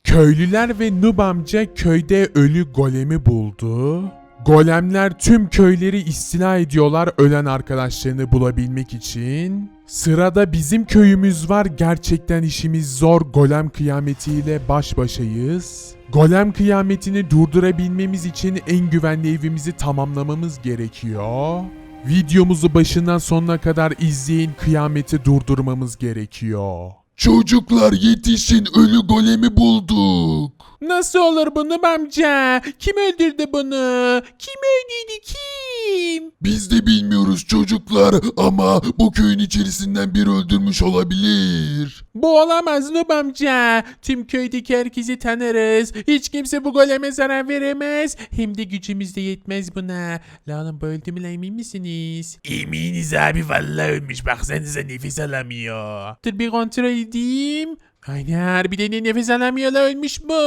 Köylüler ve Nub amca köyde ölü golemi buldu. Golemler tüm köyleri istila ediyorlar ölen arkadaşlarını bulabilmek için. Sırada bizim köyümüz var. Gerçekten işimiz zor. Golem kıyametiyle baş başayız. Golem kıyametini durdurabilmemiz için en güvenli evimizi tamamlamamız gerekiyor. Videomuzu başından sonuna kadar izleyin. Kıyameti durdurmamız gerekiyor. Çocuklar yetişin, ölü golemi bulduk. Nasıl olur bu Nub amca? Kim öldürdü bunu? Kim öldürdü kim? Biz de bilmiyoruz çocuklar ama bu köyün içerisinden biri öldürmüş olabilir. Bu olamaz Nub amca. Tüm köydeki herkesi tanırız. Hiç kimse bu goleme zarar veremez. Hem de gücümüz de yetmez buna. La oğlum bu öldü mü la, emin misiniz? Eminiz abi, vallahi ölmüş, baksanıza nefes alamıyor. Dur bir kontrol edeyim. Aynen harbiden de nefes alamıyor la, ölmüş bu.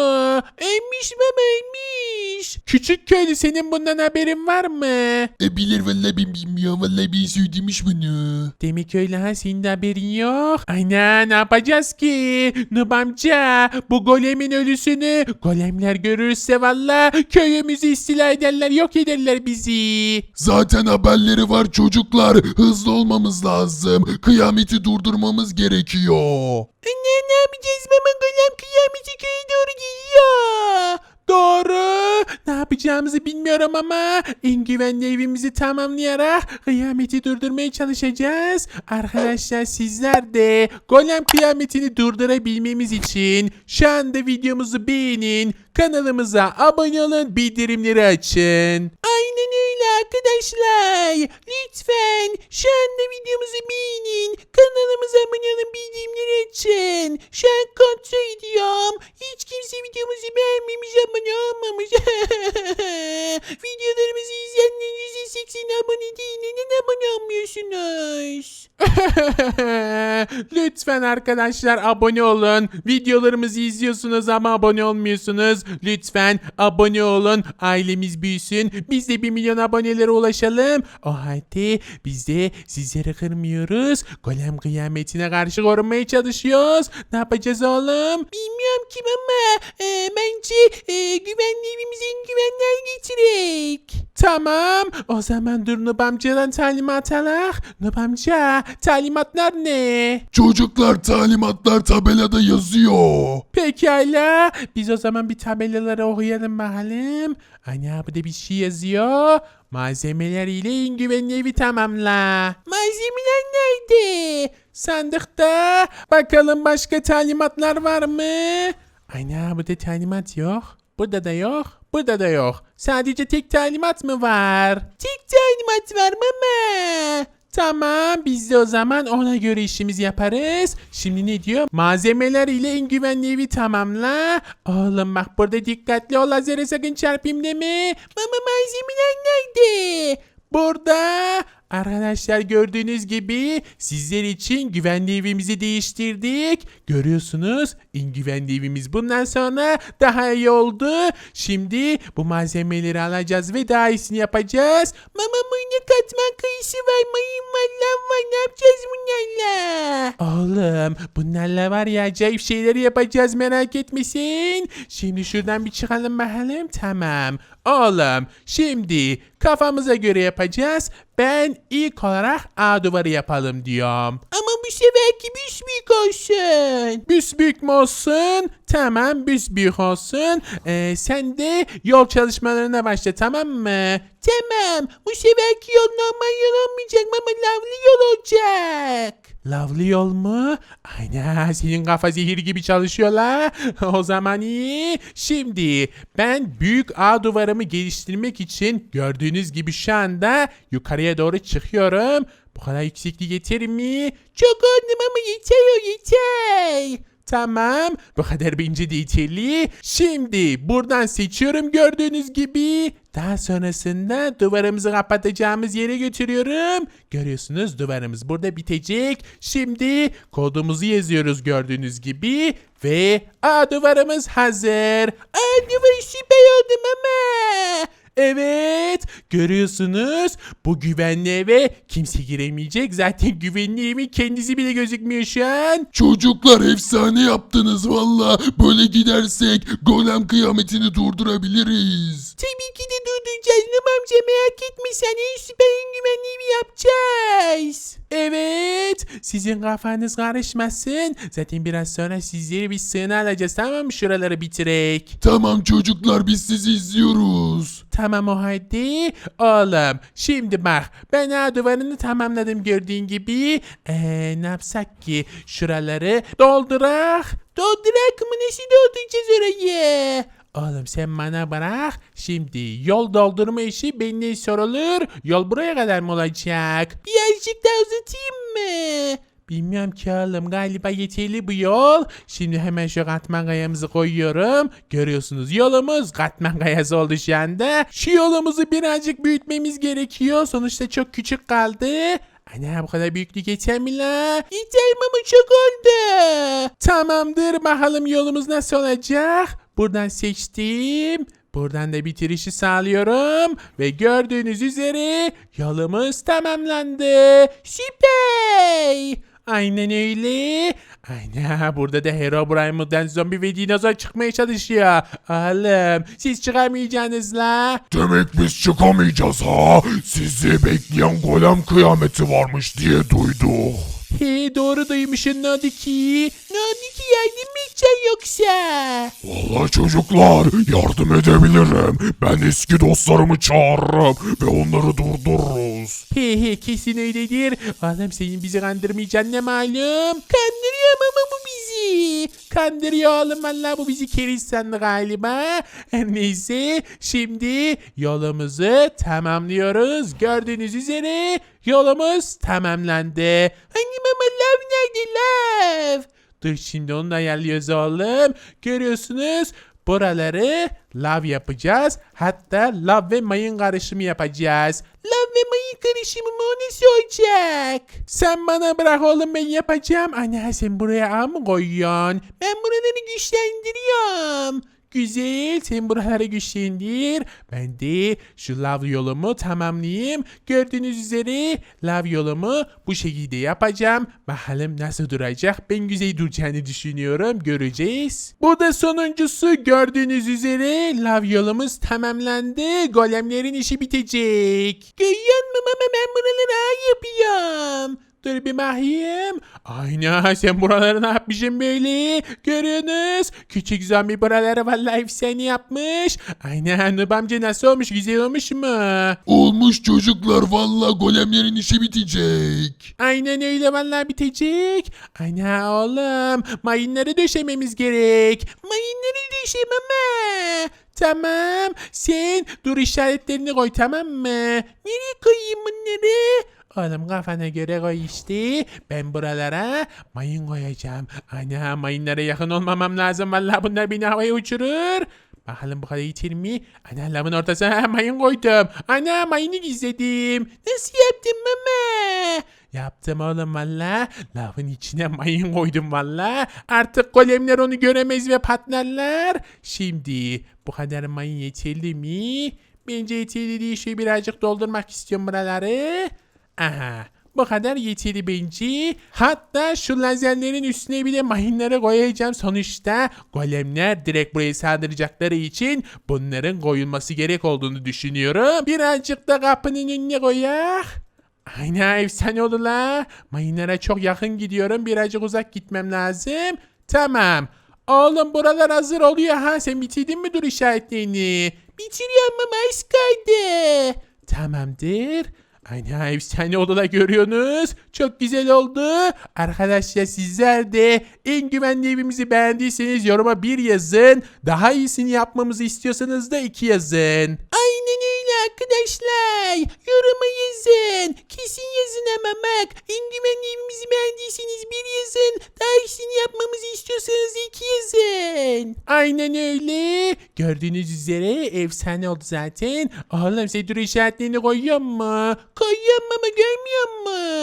Ölmüş baba, ölmüş. Küçük köylü, senin bundan haberin var mı? Bilir vallahi, ben bilmiyorum, vallahi bir söylemiş bunu. Demek öyle ha, senin de haberin yok. Aynen, ne yapacağız ki? Nub amca, bu golemin ölüsünü golemler görürse valla köyümüzü istila ederler, yok ederler bizi. Zaten haberleri var çocuklar, hızlı olmamız lazım. Kıyameti durdurmamız gerekiyor. Ne yapacağız baba, golem kıyameti köye doğru geliyor. Doğru. Ne yapacağımızı bilmiyorum ama en güvenli evimizi tamamlayarak kıyameti durdurmaya çalışacağız. Arkadaşlar sizler de golem kıyametini durdurabilmemiz için şu anda videomuzu beğenin, kanalımıza abone olun, bildirimleri açın. Aynen öyle arkadaşlar. Lütfen şu anda videomuzu beğenin, kanalımıza abone olun, bildirimleri açın. Şu an kontrol ediyorum. Hiç kimse videomuzu beğenmemiş, abone olmamış. Videolarımızı izleyenlerin %80 abone değil. Neden abone olmuyorsunuz? Lütfen arkadaşlar abone olun. Videolarımızı izliyorsunuz ama abone olmuyorsunuz. Lütfen abone olun. Ailemiz büyüsün. Biz de 1 milyon abonelere ulaşalım. O halde biz de sizleri kırmıyoruz. Golem kıyametine karşı korunmaya çalışıyoruz. Ne yapacağız oğlum? Bilmiyorum kim ama bence güvenli evimize en güvenler getirek. Tamam. O zaman dur Nub amcadan talimat alak. Nub amca, talimatlar ne? Çocuklar, talimatlar tabelada yazıyor. Pekala. Biz o zaman bir tabelaları okuyalım bakalım. Ana burada bir şey yazıyor. Malzemeler ile en güvenli evi tamamla. Malzemeler nerede? Sandıkta. Bakalım başka talimatlar var mı? Ana burada talimat yok. Burada da yok. Burada da yok. Sadece tek talimat mı var? Tek talimat var mama. Tamam, biz de o zaman ona göre işimizi yaparız. Şimdi ne diyor? Malzemeler ile en güvenli evi tamamla. Oğlum bak burada dikkatli ol, lazere sakın çarpayım deme. Mama malzemeler nerede? Burada. Arkadaşlar gördüğünüz gibi sizler için güvenli evimizi değiştirdik. Görüyorsunuz, en güvenli evimiz bundan sonra daha iyi oldu. Şimdi bu malzemeleri alacağız ve daha iyisini yapacağız. Mama ne katman kayısı var, mayın var, lav var, ne yapacağız bunlarla? Oğlum bunlarla var ya acayip şeyleri yapacağız, merak etmesin. Şimdi şuradan bir çıkalım bakalım. Tamam. Oğlum şimdi kafamıza göre yapacağız. Ben ilk olarak A duvarı yapalım diyorum. Ama bu seferki büsbük olsun. Büsbük mü olsun? Tamam, büsbük olsun. Sen de yol çalışmalarına başla, tamam mı? Tamam. Bu seferki yol normal yol olmayacak ama lavlı yol olacak. Lavlı yol mu? Aynen, senin kafa zehir gibi çalışıyor la. O zaman iyi. Şimdi ben büyük A duvarımı geliştirmek için gördüğünüz gibi şu anda yukarıya doğru çıkıyorum. Bu kadar yükseklik yeter mi? Çok oldum ama yeter, o yeter. Tamam, bu kadar bence de yeterli. Şimdi buradan seçiyorum gördüğünüz gibi. Daha sonrasında duvarımızı kapatacağımız yere götürüyorum. Görüyorsunuz, duvarımız burada bitecek. Şimdi kodumuzu yazıyoruz gördüğünüz gibi. Ve duvarımız hazır. Duvar süper oldum ama. Evet, görüyorsunuz bu güvenli eve kimse giremeyecek. Zaten güvenli evin kendisi bile gözükmüyor şu an. Çocuklar efsane yaptınız valla. Böyle gidersek golem kıyametini durdurabiliriz. Tabii ki de durduracağız Nub amca, merak etme sen, en süper en güvenli evi yapacağız. Evet, sizin kafanız karışmasın. Zaten biraz sonra sizleri bir sığına alacağız, tamam mı, şuraları bitirek. Tamam çocuklar biz sizi izliyoruz. Tamam o halde oğlum. Şimdi bak, ben ağ duvarını tamamladım gördüğün gibi. Ne yapsak ki, şuraları doldurak. Doldurak mı, nasıl dolduracağız orayı? Oğlum sen bana bırak. Şimdi yol doldurma işi benden sorulur. Yol buraya kadar mı olacak? Birazcık daha uzatayım mı? Bilmiyorum ki oğlum, galiba yeterli bu yol. Şimdi hemen şu katman kayamızı koyuyorum. Görüyorsunuz yolumuz katman kayası oldu şu anda. Şu yolumuzu birazcık büyütmemiz gerekiyor. Sonuçta çok küçük kaldı. Ana, bu kadar büyüklük yeter mi la? Yeter mi, ama çok oldu. Tamamdır, bakalım yolumuz nasıl olacak. Buradan seçtim. Buradan da bitirişi sağlıyorum. Ve gördüğünüz üzere yolumuz tamamlandı. Süper. Aynen öyle. Aynen, burada da Herobrine'den zombi ve dinozor çıkmaya çalışıyor. Oğlum siz çıkamayacaksınız la. Demek biz çıkamayacağız ha. Sizi bekleyen golem kıyameti varmış diye duyduk. He, doğru duymuşsun, ne oldu ki? Ne oldu ki, yardım mı edeceksin yoksa? Vallahi çocuklar yardım edebilirim. Ben eski dostlarımı çağırırım ve onları durdururuz. He, kesin öyledir. Oğlum senin bizi kandırmayacaksın ne malum. Kandırıyor ama bu bizi. Kandırıyor oğlum, valla bu bizi keriz sandı galiba. Neyse, şimdi yolumuzu tamamlıyoruz. Gördüğünüz üzere yolumuz tamamlandı. Hani mama, lav nerede, lav? Dur, şimdi onu da ayarlıyoruz oğlum. Görüyorsunuz, buraları lav yapacağız. Hatta lav ve mayın karışımı yapacağız. Lav ve mayın karışımı mı, o nasıl olacak? Sen bana bırak oğlum, ben yapacağım. Ana, sen buraya ağ mı koyuyorsun? Ben buraları güçlendiriyorum. Güzel, sen buraları güçlendir. Ben de şu lav yolumu tamamlayayım. Gördüğünüz üzere lav yolumu bu şekilde yapacağım. Bakalım nasıl duracak. Ben güzel duracağını düşünüyorum. Göreceğiz. Bu da sonuncusu. Gördüğünüz üzere lav yolumuz tamamlandı. Golemlerin işi bitecek. Görüyor musun ama ben buraları ağ yapıyorum. Dur bir bakayım. Aynen, sen buraları ne yapmışsın böyle? Görüyorsunuz. Küçük zombi buraları vallahi efsane yapmış. Aynen, Nub amca nasıl olmuş? Güzel olmuş mu? Olmuş çocuklar valla golemlerin işi bitecek. Aynen öyle, vallahi bitecek. Aynen oğlum. Mayınları döşememiz gerek. Mayınları döşem ama. Tamam. Sen dur işaretlerini koy, tamam mı? Nereye koyayım bunları? Oğlum kafana göre koy işte. Ben buralara mayın koyacağım. Ana, mayınlara yakın olmamam lazım. Vallahi bunlar beni havaya uçurur. Bakalım bu kadar yeter mi? Ana, lavın ortasına mayın koydum. Ana, mayını gizledim. Nasıl yaptın mama? Yaptım oğlum valla. Lavın içine mayın koydum valla. Artık golemler onu göremez ve patlarlar. Şimdi bu kadar mayın yeterli mi? Bence yeterli değil. Şöyle birazcık doldurmak istiyorum buraları. Aha, bu kadar yeterli bence. Hatta şu lazerlerin üstüne bile mayınları koyacağım. Sonuçta golemler direkt buraya saldıracakları için bunların koyulması gerek olduğunu düşünüyorum. Birazcık da kapının önüne koyak. Aynen, efsane oldu la. Mayınlara çok yakın gidiyorum. Birazcık uzak gitmem lazım. Tamam. Oğlum buralar hazır oluyor ha. Sen bitirdin mi dur işaretlerini? Bitiriyorum ama az kaldı. Tamamdır. Aynen, efsane odalar görüyorsunuz. Çok güzel oldu. Arkadaşlar sizler de en güvenli evimizi beğendiyseniz yoruma 1 yazın. Daha iyisini yapmamızı istiyorsanız da 2 yazın. Aynen öyle arkadaşlar. Yoruma yazın. Kesin yazın ama bak. En güvenli evimizi beğendiyseniz 1 yazın. Daha iyisini yapmamızı istiyorsanız 2 yazın. Aynen öyle. Gördüğünüz üzere efsane oldu zaten. Oğlum sen dur işaretlerini koyuyor mu? Koyuyorum ama görmüyor mu?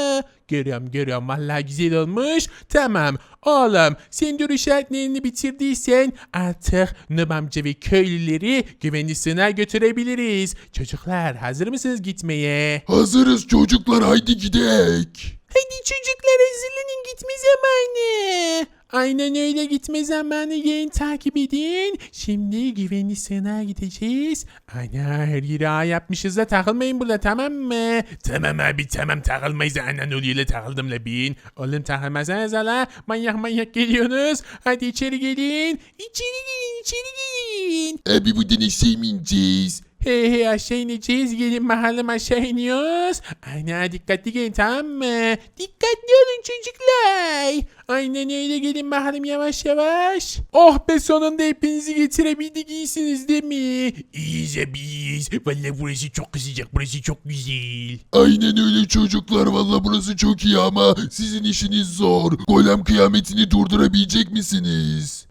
Görüyorum vallahi güzel olmuş. Tamam oğlum sen dur işaretlerini bitirdiysen artık Nub amca ve köylüleri güvenli sığınağa götürebiliriz. Çocuklar hazır mısınız gitmeye? Hazırız çocuklar, haydi gidek. Hadi çocuklar hazırlanın gitme zamanı. Aynen öyle, gitme zamanı, gelin takip edin. Şimdi güvenli sığınağa gideceğiz. Ana her yeri ağ yapmışız da takılmayın burada, tamam mı? Tamam abi tamam, takılmayız. Anan oluyorla takıldım la bin. Oğlum takılmasanız la, manyak geliyorsunuz. Hadi içeri gelin. İçeri gelin. Abi bu deniz sevmeyeceğiz. Hey aşağı ineceğiz, gelin bakalım, aşağı iniyoruz. Ana dikkatli gelin, tamam mı? Dikkatli olun çocuklar. Aynen öyle, gelin bakalım yavaş. Oh be, sonunda hepinizi getirebildik, iyisiniz değil mi? İyiyiz abi iyiyiz. Valla burası çok sıcak, burası çok güzel. Aynen öyle çocuklar, valla burası çok iyi ama sizin işiniz zor. Golem kıyametini durdurabilecek misiniz?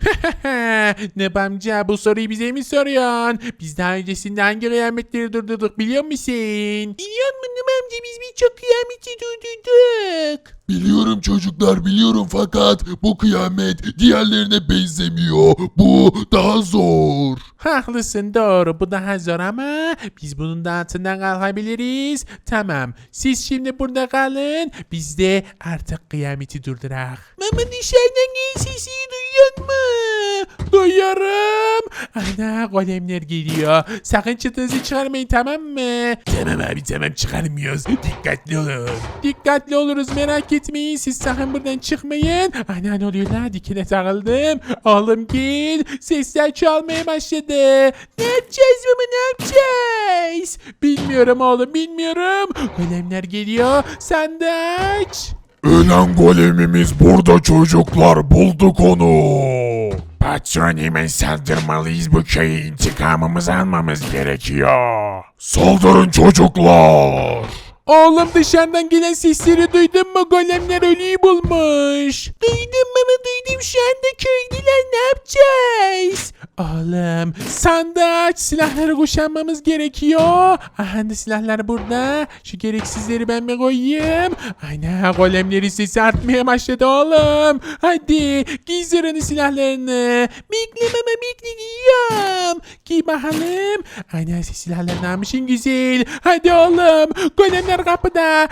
Nub amca, bu soruyu bize mi soruyorsun? Biz daha öncesinde hangi kıyametleri durdurduk biliyor musun? Biliyor musun Nub amca, biz birçok kıyameti durdurduk. Biliyorum çocuklar, biliyorum, fakat bu kıyamet diğerlerine benzemiyor. Bu daha zor. Haklısın, doğru, bu daha zor ama biz bunun da altından kalkabiliriz. Tamam, siz şimdi burada kalın, biz de artık kıyameti durdurak. Mama dışarıdan gel sesi duyuyor mu? Duyuyorum. Ana golemler geliyor. Sakın çıtınızı çıkarmayın, tamam mı? Tamam abi tamam, çıkarmıyoruz. Dikkatli olun. Dikkatli oluruz, merak etmeyin. Siz sakın buradan çıkmayın. Ana ne oluyor la? Dikine takıldım. Oğlum gel. Sesler çalmaya başladı. Ne yapacağız baba, ne yapacağız? Bilmiyorum oğlum, bilmiyorum. Golemler geliyor. Sen de aç. Ölen golemimiz burada çocuklar, bulduk onu. Patron, hemen saldırmalıyız, bu köyü intikamımızı almamız gerekiyor. Saldırın çocuklar. Oğlum dışarıdan gelen sesleri duydun mu? Golemler ölüyü bulmuş. Duydum baba, duydum. Şu anda köylüler, ne yapacağız? Oğlum sandığı aç, silahları kuşanmamız gerekiyor. Aha da silahlar burada. Şu gereksizleri ben mi koyayım? Aynen, golemlerin sesi artmaya başladı oğlum. Hadi giy zırhını, silahlarını. Bekle baba, bekle, giyiyorum. Giy bakalım. Aynen, silahlarını almışsın, güzel. Hadi oğlum, golemler kapıda,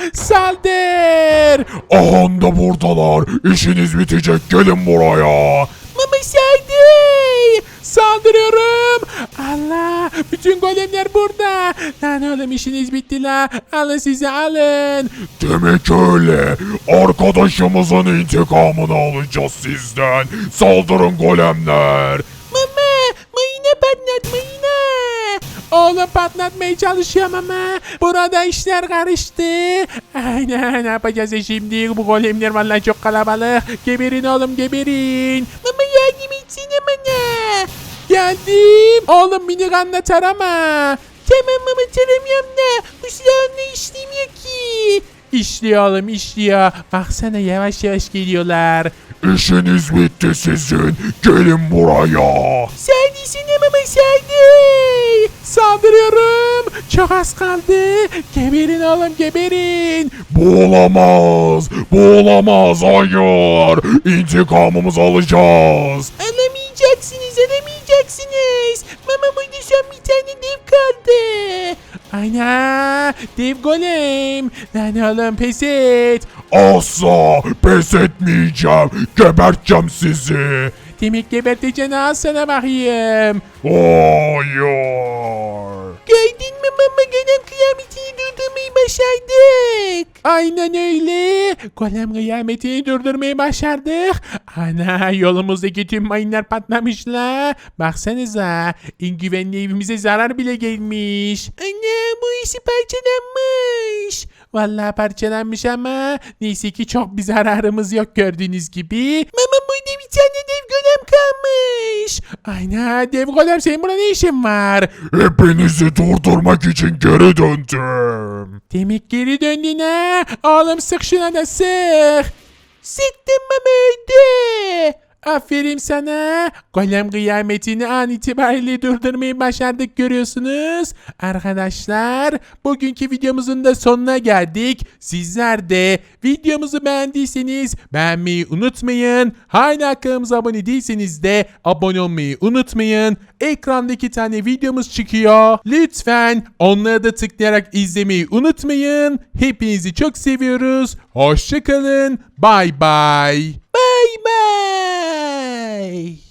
saldır. Aha da buradalar. İşiniz bitecek, gelin buraya. Mama saldır. Saldırıyorum. Allah, bütün golemler burada. Lan oğlum, işiniz bitti la. Alın size, alın. Demek öyle. Arkadaşımızın intikamını alacağız sizden. Saldırın golemler. Mama, mayına patlat, mayına. Oğlum patlatmaya çalışıyorum ama burada işler karıştı. Aynen, ne yapacağız şimdi? Bu golemler vallahi çok kalabalık. Geberin oğlum, geberin. Mama yardım etsene bana. Geldim. Oğlum minigunla tarama. Tamam mama, taramıyorum da bu silahla işlemiyor ki. İşliyor oğlum, işliyor. Baksana, yavaş geliyorlar. İşiniz bitti sizin. Gelin buraya. Saldırısına mama, saldır. Saldırıyorum. Çok az kaldı. Geberin oğlum, geberin. Bu olamaz. Bu olamaz. Hayır. İntikamımızı alacağız. Alamayacaksınız. Mama, burada son bir tane dev kaldı. Ana, dev golem. Lan oğlum, pes et. Asla pes etmeyeceğim. Geberteceğim sizi. Demek geberteceksin, al sana bakayım. Hayır. Gördün mü mama, golem kıyametini durdurmayı başardık. Aynen öyle. Golem kıyametini durdurmayı başardık. Ana, yolumuzdaki tüm mayınlar patlamışlar. Baksanıza, en güvenli evimize zarar bile gelmiş. Ana, bu işi parçalanmış. Vallahi parçalanmış ama neyse ki çok bir zararımız yok, gördüğünüz gibi. Mama, burada bir tane dev golem kalmış. Aynen, dev golem, senin burada ne işin var? Hepinizi durdurmak için geri döndüm. Demek geri döndün ha? Oğlum sık şuna da sık. Sıktım mama, öldü. Aferin sana. Golem kıyametini an itibariyle durdurmayı başardık görüyorsunuz. Arkadaşlar bugünkü videomuzun da sonuna geldik. Sizler de videomuzu beğendiyseniz beğenmeyi unutmayın. Hala kanalımıza abone değilseniz de abone olmayı unutmayın. Ekranda 2 tane videomuz çıkıyor. Lütfen onlara da tıklayarak izlemeyi unutmayın. Hepinizi çok seviyoruz. Hoşça kalın. Bye bye. Bye bye.